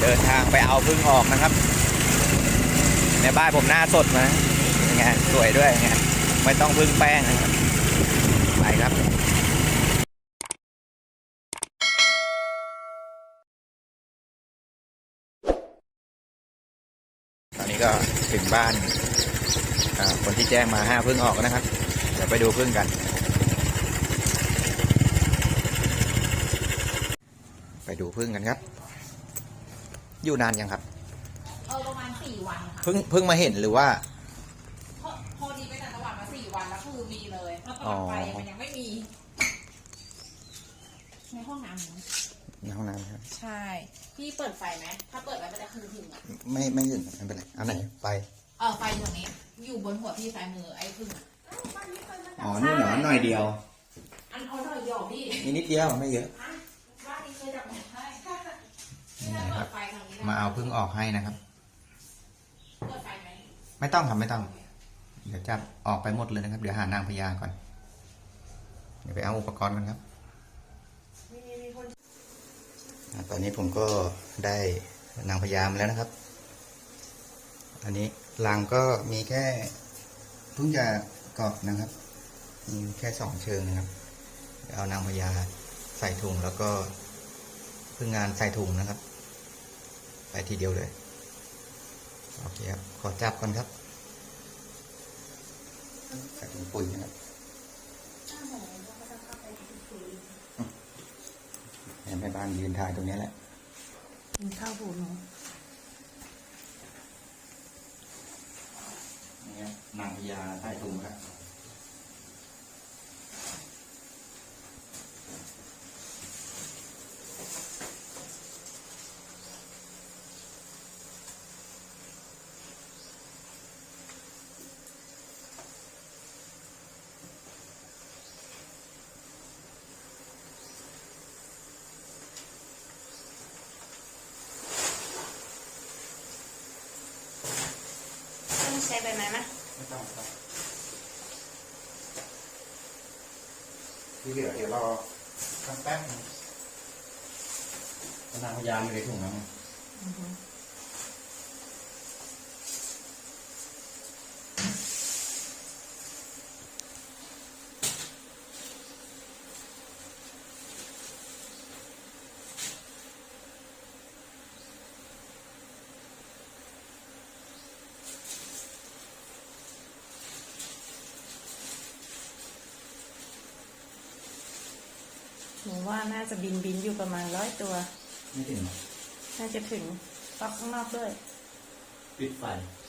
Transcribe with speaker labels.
Speaker 1: ดินทางไปเอาพึ่งออกนะครับในบ้านผมหน้าสดมาไงสวยด้วยไงไม่ต้องพึ่งแป้งนะครับไปครับตอนนี้ก็ถึงบ้านคนที่แจ้งมา5พึ่งออกนะครับเดี๋ยวไปดูพึ่งกันไปดูพึ่งกันครับอยู่นานยังครับ
Speaker 2: ประมาณ4 วันค่ะ
Speaker 1: เพิ่งมาเห็นหรือว่า
Speaker 2: พอดีไปต่างจังหวัดมา4 วันแล้วคือมีเลยแล้วตอนไปมันยังไม่มีในห้องน้ำ
Speaker 1: ในห้องน้ำครับ
Speaker 2: ใช่พี่เปิดไฟไหมถ้าเปิดไว้มันจะคือถึงอ่ะ
Speaker 1: ไม่ถึงไม่เป็นไรเอาไหนไฟ
Speaker 2: ไฟตรงนี้อยู่บนหัวพี่ซ้ายมือไอ้พึ่ง
Speaker 1: อ๋อนี่เหรอหน่อยเดียว
Speaker 2: อันหน่อยเดียวพี่
Speaker 1: นิดเดียวไม่เยอะ
Speaker 2: บ้านนี้เคยจับให้
Speaker 1: มาเอาพึ่งออกให้นะครับ
Speaker 2: เปิดไฟไหม
Speaker 1: ไม่ต้องครับไม่ต้องเดี๋ยวจับออกไปหมดเลยนะครับเดี๋ยวหานางพญาก่อนเดี๋ยวไปเอาอุปกรณ์กันครับตอนนี้ผมก็ได้นางพญามาแล้วนะครับอันนี้รังก็มีแค่เพิ่งจะกรอบนะครับมีแค่2 เชิงนะครับเอานางพญาใส่ถุงแล้วก็พึ่งงานใส่ถุงนะครับไปทีเดียวเลยโอเคครับขอจับก่อนครับใส่ถุงปุ๋ยนะครับแม่บ้านยืนถ่ายตรงนี้แหละ
Speaker 2: กินข้าวผูหนู
Speaker 1: นี่นางพญาใส่ถุงครับ
Speaker 2: ใช้ใบไม้ไหม
Speaker 1: ไม่ต้องครับที่เหลือเดี๋ยวรอสักแป๊บนึงนางพญาอยู่ในถุงแล้ว
Speaker 2: หนูว่าน่าจะบินอยู่ประมาณ100 ตัว
Speaker 1: ไม่ถึง
Speaker 2: น่าจะถึงปักข้างนอกด้วย
Speaker 1: ปิดไฟ